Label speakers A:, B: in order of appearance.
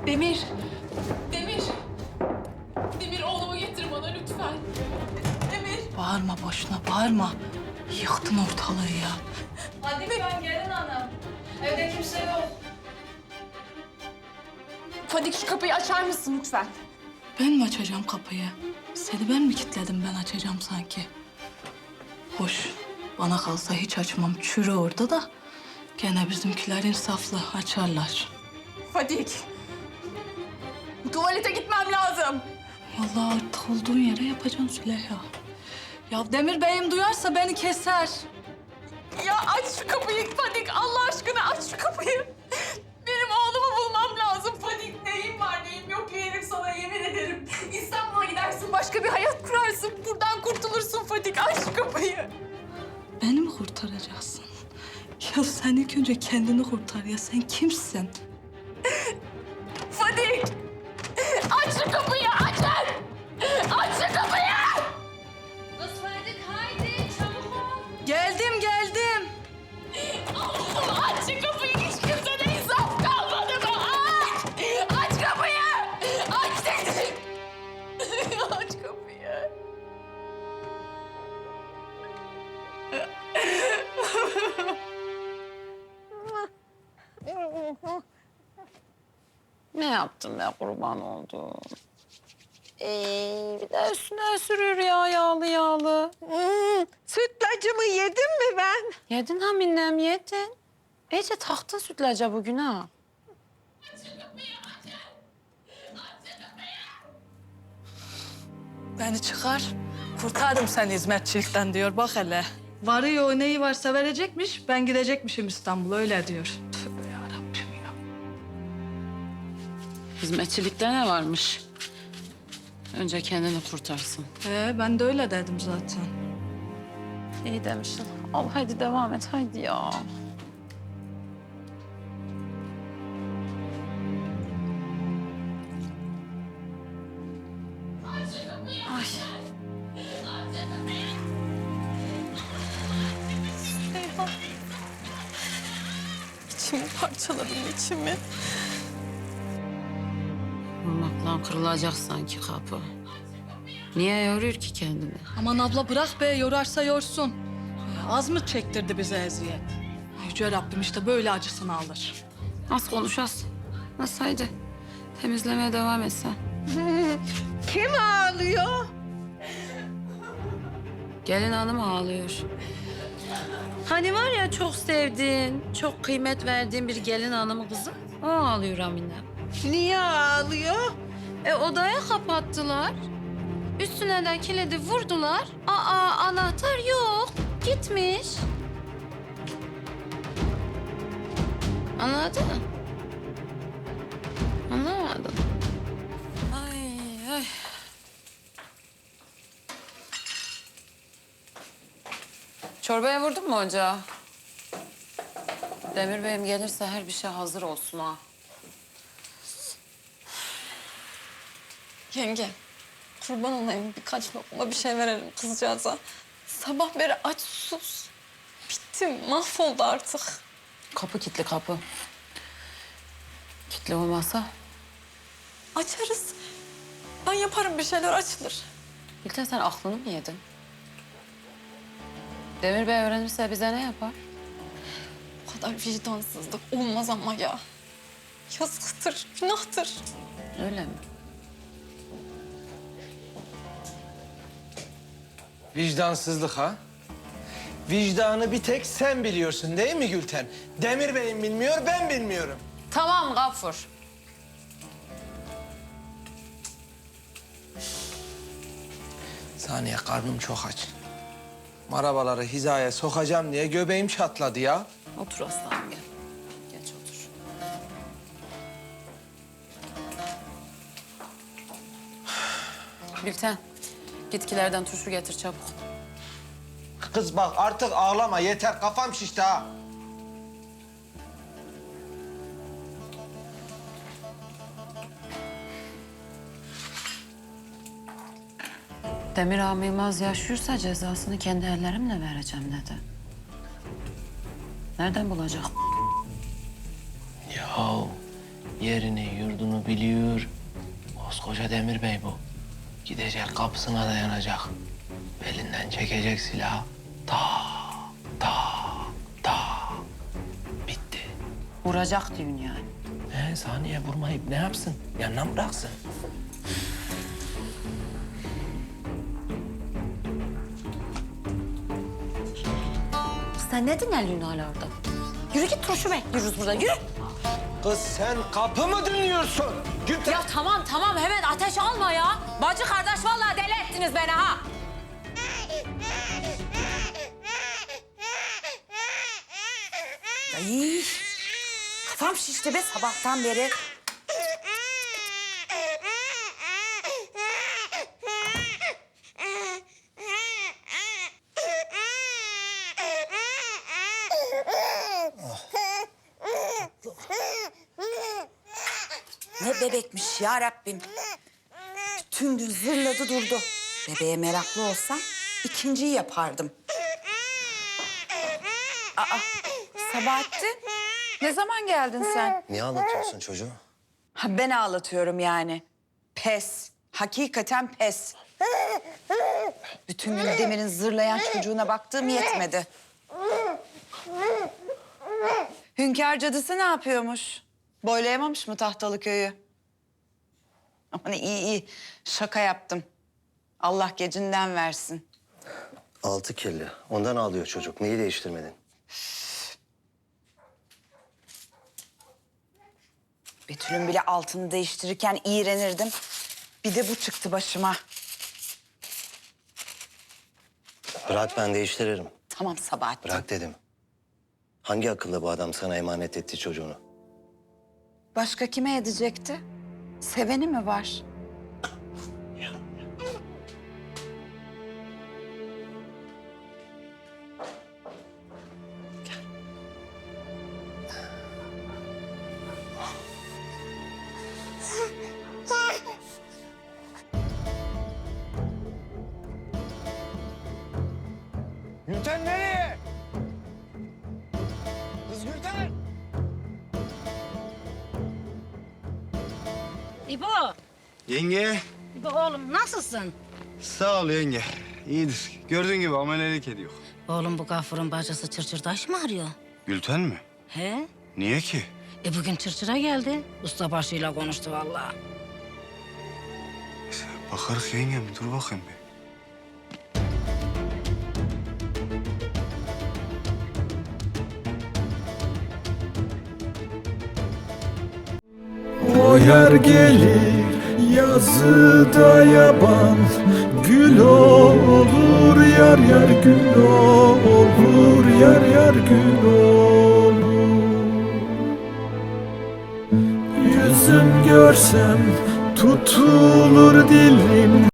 A: Demir. Demir. Demir oğlumu getir bana lütfen. Demir.
B: Bağırma boşuna, bağırma. Yıktın ortalığı ya.
C: Hadi ben gelin hanım. Evde kimse yok.
A: Fadik şu kapıyı açar mısın lütfen?
B: Ben mi açacağım kapıyı? Seni ben mi kilitledim, ben açacağım sanki? Hoş, bana kalsa hiç açmam. Çürü orada da. Gene bizimkiler insaflı, açarlar.
A: Fadik. Tuvalete gitmem lazım.
B: Vallahi artık olduğun yere yapacaksın Züleyha. Ya Demir Bey'im duyarsa beni keser.
A: Ya aç şu kapıyı Fadik. Allah aşkına aç şu kapıyı. Benim oğlumu bulmam lazım Fadik. Neyim var neyim yok yerim sana yemin ederim. İstanbul'a gidersin başka bir hayat kurarsın. Buradan kurtulursun Fadik. Aç şu kapıyı.
B: Beni mi kurtaracaksın? Ya sen ilk önce kendini kurtar ya. Sen kimsin?
A: Fadik. Aç şu kapıyı açın. Aç şu kapıyı.
C: Kız Fadik haydi çabuk ol.
B: Geldim, geldim.
A: Allah'ım aç şu kapıyı. Hiç kimsede insaf kalmadı mı? Aç. Aç kapıyı. Aç dedim. Aç kapıyı.
C: Ne yaptım ben kurban oldum. Bir de üstüne sürüyor ya yağlı yağlı.
D: Sütlacımı yedim mi ben?
C: Yedin ha minnem yedin. İyice taktın sütlaca bugün ha.
B: Beni çıkar. Kurtardım seni hizmetçilikten diyor. Bak hele. Varıyor, neyi varsa verecekmiş. Ben gidecekmişim İstanbul'a, öyle diyor. Tövbe yarabbim ya.
C: Hizmetçilikte ne varmış? Önce kendini kurtarsın.
B: Ben de öyle dedim zaten.
C: İyi demişsin. Al hadi devam et haydi ya. Ay. Süleyha. İçimi parçaladın içimi. Vurmakla kırılacak sanki kapı. Niye yoruyor ki kendini?
B: Aman abla bırak be, yorarsa yorsun. Az mı çektirdi bize eziyet? Yüce Rabbim işte böyle acısını alır.
C: Az konuş az. Nasıl haydi? Temizlemeye devam et sen.
D: Kim ağlıyor?
C: Gelin hanım ağlıyor. Hani var ya çok sevdiğin, çok kıymet verdiğin bir gelin hanımı kızım. O ağlıyor Amine.
D: Niye ağlıyor?
C: Odaya kapattılar. Üstüne de kilidi vurdular. Anahtar yok. Gitmiş. Anladın mı? Anlamadın. Ay ay. Çorbaya vurdun mu ocağa? Demir Bey'im gelirse her bir şey hazır olsun ha.
A: Yenge, kurban olayım birkaç lokma bir şey verelim kızcağıza. Sabah beri aç sus. Bittim, mahvoldu artık.
C: Kapı kilitli kapı. Kilitli olmazsa
A: Açarız. Ben yaparım bir şeyler açılır.
C: Gülten sen aklını mı yedin? Demir Bey öğrenirse bize ne yapar?
A: Bu kadar vicdansızlık olmaz ama ya. Yazıktır, günahtır.
C: Öyle mi?
E: Vicdansızlık ha? Vicdanı bir tek sen biliyorsun değil mi Gülten? Demir Bey'im bilmiyor, ben bilmiyorum.
C: Tamam Gafur.
E: Saniye, karnım çok aç. Marabaları hizaya sokacağım diye göbeğim çatladı ya.
C: Otur aslanım gel. Geç otur. Gülten, gitkilerden turşu getir çabuk.
E: Kız bak artık ağlama, yeter, kafam şişti ha.
C: Demir Ağam Yılmaz yaşıyorsa cezasını kendi ellerimle vereceğim dedi. Nereden bulacak?
E: Ya Yerini yurdunu biliyor. Koskoca Demir Bey bu. Gidecek kapısına dayanacak. Belinden çekecek silahı. Ta ta ta. Bitti.
C: Vuracak diyorsun yani.
E: Saniye vurmayıp ne yapsın? Yanına mı bıraksın?
C: Sen ne dinlerliyorsun hala orada? Yürü git turşu bekliyoruz burada, yürü.
E: Kız sen kapı mı dinliyorsun? Gülten.
C: Ya tamam hemen ateş alma ya. Bacı kardeş vallahi deli ettiniz beni ha. Ay, kafam şişti be sabahtan beri.
F: Ne bebekmiş ya Rabbim. Tüm gün zırladı durdu. Bebeğe meraklı olsam ikinciyi yapardım. Aa, Sabahattin. Ne zaman geldin sen?
G: Niye ağlatıyorsun çocuğu?
F: Ha, ben ağlatıyorum yani. Pes. Hakikaten pes. Bütün gün Demir'in zırlayan çocuğuna baktığım yetmedi. Hünkâr cadısı ne yapıyormuş? Boylayamamış mı Tahtalı köyü? Aman iyi. Şaka yaptım. Allah gecinden versin.
G: Altı kirli. Ondan ağlıyor çocuk. Neyi değiştirmedin?
F: Betül'ün bile altını değiştirirken iğrenirdim. Bir de bu çıktı başıma.
G: Bırak ben değiştiririm.
F: Tamam Sabahattin.
G: Bırak dedim. Hangi akıllı bu adam sana emanet etti çocuğunu?
F: Başka kime edecekti? Seveni mi var?
E: Gülten nereye? Kız Gülten!
C: İbo,
H: Yenge,
C: İbo oğlum nasılsın?
H: sağ ol yenge. İyidir. Gördüğün gibi amelelik ediyor.
C: Oğlum bu gafurun bacısı Çırçırdaş mı arıyor?
H: Gülten mi?
C: He?
H: Niye ki?
C: Bugün Çırçır'a geldi. Ustabaşıyla konuştu vallahi.
H: Bakarız yengem, dur bakayım bir.
I: O yer gelir yazıda yaban, gül olur yar yar gül olur yar yar gül olur. Yüzüm görsem tutulur dilim.